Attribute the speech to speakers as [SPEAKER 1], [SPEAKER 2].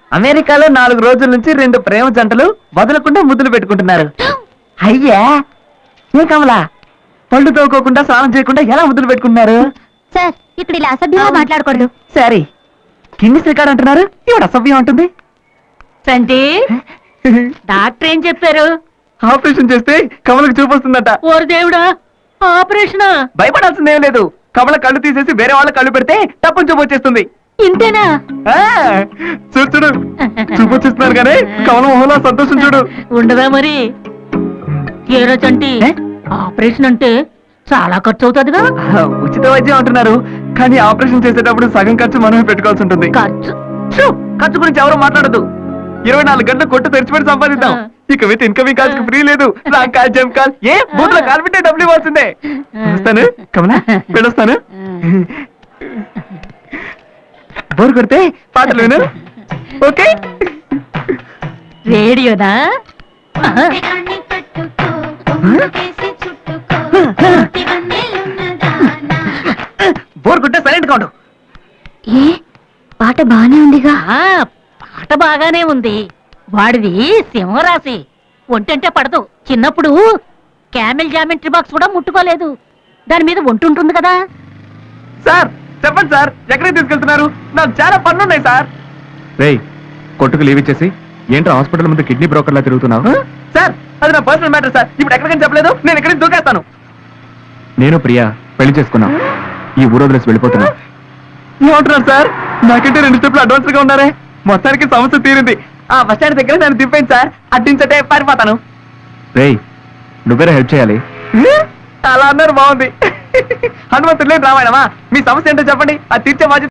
[SPEAKER 1] అమెరికాలో 4 రోజుల నుంచి 2 ప్రేమ జంటలు వదలకుండా ముద్దులు పెట్టుకుంటున్నారు. అయ్యా ఏ కమలా, పళ్ళు తోకోకుండా స్నానం చేయకుండా ఎలా ముద్దులు పెట్టుకుంటున్నారు?
[SPEAKER 2] సార్ ఇక్కడ ఇలా అసభ్యంగా మాట్లాడకూడదు.
[SPEAKER 1] సరే, గిన్నిస్ రికార్డ్ అంటున్నారు, ఇవాడు అసభ్యం ఉంటుంది.
[SPEAKER 3] సంటి డాక్టర్ ఏం చెప్పారు?
[SPEAKER 1] ఆపరేషన్ చేస్తే కమలకు చూపొస్తుందట.
[SPEAKER 3] ఓరు దేవుడా, ఆపరేషన్?
[SPEAKER 1] భయపడాల్సిందేం లేదు. కమల కళ్ళు తీసేసి వేరే వాళ్ళ కళ్ళు పెడితే తప్పని చూపు వచ్చేస్తుంది.
[SPEAKER 3] ఇంతేనా?
[SPEAKER 1] చూడు చూడు, చూపు వచ్చేస్తున్నారు కానీ కమల మొహంలో సంతోషం చూడు.
[SPEAKER 3] ఉండదా మరి? ఏ రోజు అంటే ఆపరేషన్ అంటే చాలా ఖర్చు అవుతుందిగా.
[SPEAKER 1] ఉచిత వైద్యం అంటున్నారు, కానీ ఆపరేషన్ చేసేటప్పుడు సగం ఖర్చు మనమే పెట్టుకోవాల్సి ఉంటుంది. ఖర్చు గురించి ఎవరు మాట్లాడదు. 24 గంటలు కొట్టు తెరిచిపెట్టి సంపాదిద్దాం. ఇక విత్ ఇన్కమింగ్ కాల్స్ ఫ్రీ లేదు. రాంగ్ కాల్, జంప్ కాల్, ఏ బూత్ లో కాల్ పెట్టే డబ్బులు ఇవ్వాల్సిందే. వస్తాను కమలా, వెళ్ళొస్తాను. బోర్ కొడితే పాటలు విను. ఓకే,
[SPEAKER 3] రేడియోదా?
[SPEAKER 1] బోర్ కొట్టే సైలెంట్ గా ఉండు.
[SPEAKER 2] ఏ పాట బానే ఉందిగా.
[SPEAKER 3] పాట బాగానే ఉంది. వాడిది సింహరాశి, ఒంటంటే పడదు. చిన్నప్పుడు క్యామెల్ జామెంట్రీ బాక్స్ కూడా ముట్టుకోలేదు. దాని మీద ఒంటుంటుంది కదా.
[SPEAKER 1] సార్ చెప్పండి సార్, ఎక్కడికి తీసుకెళ్తున్నారు? నాకు చాలా పనులు ఉన్నాయి సార్. రేయ్, కొట్టుకు లీవ్ ఇచ్చేసి ఏంటో హాస్పిటల్ ముందు కిడ్నీ బ్రోకర్ లా తిరుగుతున్నావు? సార్ అది నా పర్సనల్ మ్యాటర్ సార్. ఇప్పుడు ఎక్కడికని చెప్పలేదు, నేను ఎక్కడికి దూకేస్తాను. నేను ప్రియా పెళ్లి చేసుకున్నాం, ఈ ఊరు వదిలేసి వెళ్ళిపోతున్నా. ఏమంటున్నారు సార్? నాకంటే 2 స్టెప్లు అడ్వాన్స్ గా ఉన్నారే. మొత్తానికి సమస్య తీరింది. ఆ బస్ స్టాండ్ దగ్గర నన్ను దింపేయండి సార్, అడ్డించటే పారిపోతాను. రేయ్, నువ్వేరే హెల్ప్ చేయాలి. అలా అన్నారు, బాగుంది. హనుమంతుడు లేని రామాయణమా? మీ సమస్య ఏంటో చెప్పండి, అది తీర్చే బాధ్యత